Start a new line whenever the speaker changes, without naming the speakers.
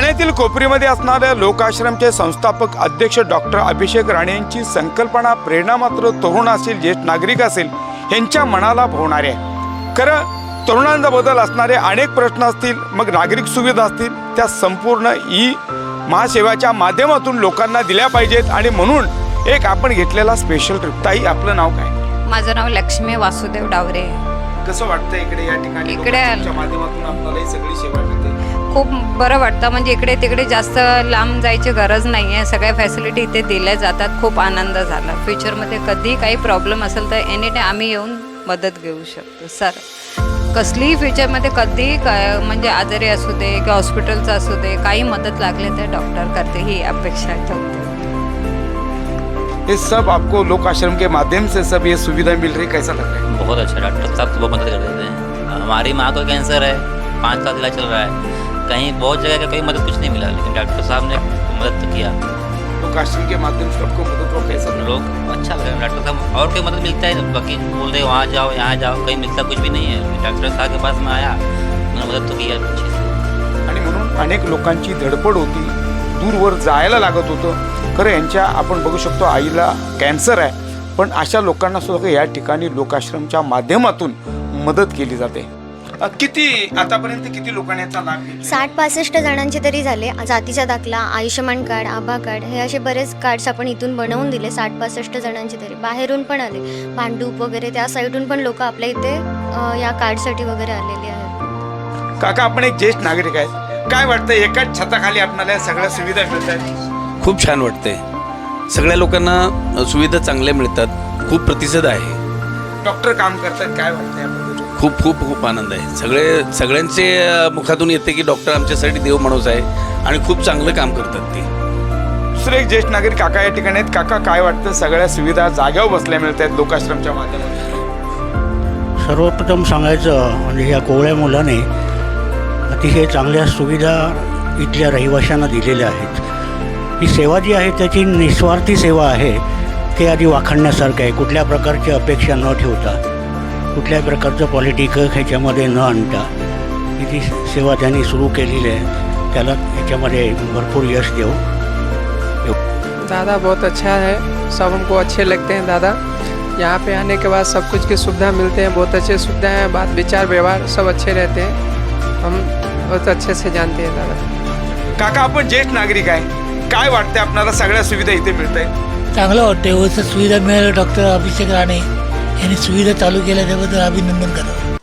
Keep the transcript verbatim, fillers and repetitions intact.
ठाण्यातील कोपरीमध्ये असणाऱ्या लोकाश्रमचे संस्थापक अध्यक्ष डॉक्टर अभिषेक राणे यांची संकल्पना प्रेरणा मात्र तरुण असेल, ज्येष्ठ नागरिक असेल यांच्या मनाला भावणारे आहे। खरं तरुणांचा बदल असणारे अनेक प्रश्न असतील, मग नागरिक सुविधा असतील, त्या संपूर्ण ई महासेवाच्या माध्यमातून लोकांना दिल्या पाहिजेत। आणि म्हणून एक आपण घेतलेला स्पेशल ट्रिप। ताई, आपलं नाव काय?
माझं नाव लक्ष्मी वासुदेव डावरे।
कसं वाटतं इकडे या ठिकाणी
इकडे
माध्यमातून आपल्याला ही सगळी सेवा मिळते?
खूप बरं वाटतं, म्हणजे इकडे तिकडे जास्त लांब जायची गरज नाही आहे, सगळ्या फॅसिलिटी इथे दिल्या जातात। खूप आनंद झाला। फ्युचरमध्ये कधी काही प्रॉब्लेम असेल तर एनी टाईम आम्ही येऊन मदत घेऊ शकतो सर। कसलीही फ्युचरमध्ये कधी काय म्हणजे आजारी असू दे किंवा हॉस्पिटलचं असू दे, काही मदत लागली तर डॉक्टर करते, ही अपेक्षा ठेवते।
ये सब आपको लोक आश्रम के माध्यम से सब ये सुविधा मिल रही, कैसा लग रहा है?
बहुत अच्छा, डॉक्टर साहब बहुत मदद कर देते हैं। हमारी माँ को कैंसर है, पाँच साल इलाज चल रहा है, कहीं बहुत जगह का कोई मदद कुछ नहीं मिला, लेकिन डॉक्टर साहब ने मदद तो किया।
लोक आश्रम के माध्यम से आपको मदद हुआ, कैसा लगा?
लोग अच्छा लगा डॉक्टर साहब। और कोई मदद मिलता है, बाकी बोल रहे वहाँ जाओ यहाँ जाओ, कहीं मिलता कुछ भी नहीं है। डॉक्टर साहब के पास में आया, उन्होंने मदद तो किया अच्छे से।
आणि म्हणून अनेक लोकांची धडपड होती, दूरवर जायला लागत होतं। खरं यांच्या आपण बघू शकतो आईला कॅन्सर आहे, पण अशा लोकांना सुद्धा या ठिकाणी लोकाश्रमच्या माध्यमातून मदत केली जाते। अ, किती आतापर्यंत किती लोकांनी याचा लाभ घेतला?
साठ पासष्ट जणांचे तरी झाले। जातीचा दाखला, आयुष्यमान कार्ड, आभा कार्ड, हे असे बरेच कार्ड्स आपण इथून बनवून दिले। साठ पासष्ट जणांचे तरी बाहेरून पण आले, भांडूप वगैरे त्या साईडून पण लोक आपल्या इथे अ, या कार्डसाठी वगैरे आलेले आहेत।
काका, आपण एक ज्येष्ठ नागरिक आहेत, काय वाटतं एकाच छताखाली आपल्याला या सगळ्या सुविधा मिळत आहेत?
खूप छान वाटते। सगळ्या लोकांना सुविधा चांगल्या मिळतात, खूप प्रतिसाद आहे।
डॉक्टर काम करतात, काय वाटतं याबद्दल?
खूप खूप खूप आनंद आहे। सगळे सगळ्यांचे मुखातून येते की डॉक्टर आमच्यासाठी देव माणूस आहे आणि खूप चांगलं काम करतात ते।
दुसरे एक ज्येष्ठ नागरिक काका या ठिकाणी आहेत। काका, काय वाटतं सगळ्या सुविधा जाग्यावर बसल्या मिळत आहेत लोकाश्रमच्या माध्यमातून?
सर्वप्रथम सांगायचं म्हणजे या कोवळ्या मुलाने अतिशय चांगल्या सुविधा इथल्या रहिवाशांना दिलेल्या आहेत। ही सेवा जी आहे त्याची निस्वार्थी सेवा आहे, ते आधी वाखाणण्यासारखं आहे। कुठल्या प्रकारची अपेक्षा न ठेवता, कुठल्याही प्रकारचं पॉलिटिक ह्याच्यामध्ये न आणता ही जी सेवा त्यांनी सुरू केलेली आहे, त्याला ह्याच्यामध्ये भरपूर यश देऊ।
दादा बहुत अच्छा है, सब हमको अच्छे लगते हैं दादा। यहाँ पे आने के बाद सब कुछ की सुविधा मिलते हैं, बहुत अच्छे सुविधा हैं, बात विचार व्यवहार सब अच्छे रहते हैं, हम बहुत अच्छे से जानते हैं दादा।
काका, आपण ज्येष्ठ नागरिक आहे, काय वाटते आपल्याला सगळ्या सुविधा इथे मिळत आहेत?
चांगलं वाटतं, व्यवस्थित सुविधा मिळाल्या। डॉक्टर अभिषेक राणे यांनी सुविधा चालू केल्या त्याबद्दल अभिनंदन करतो।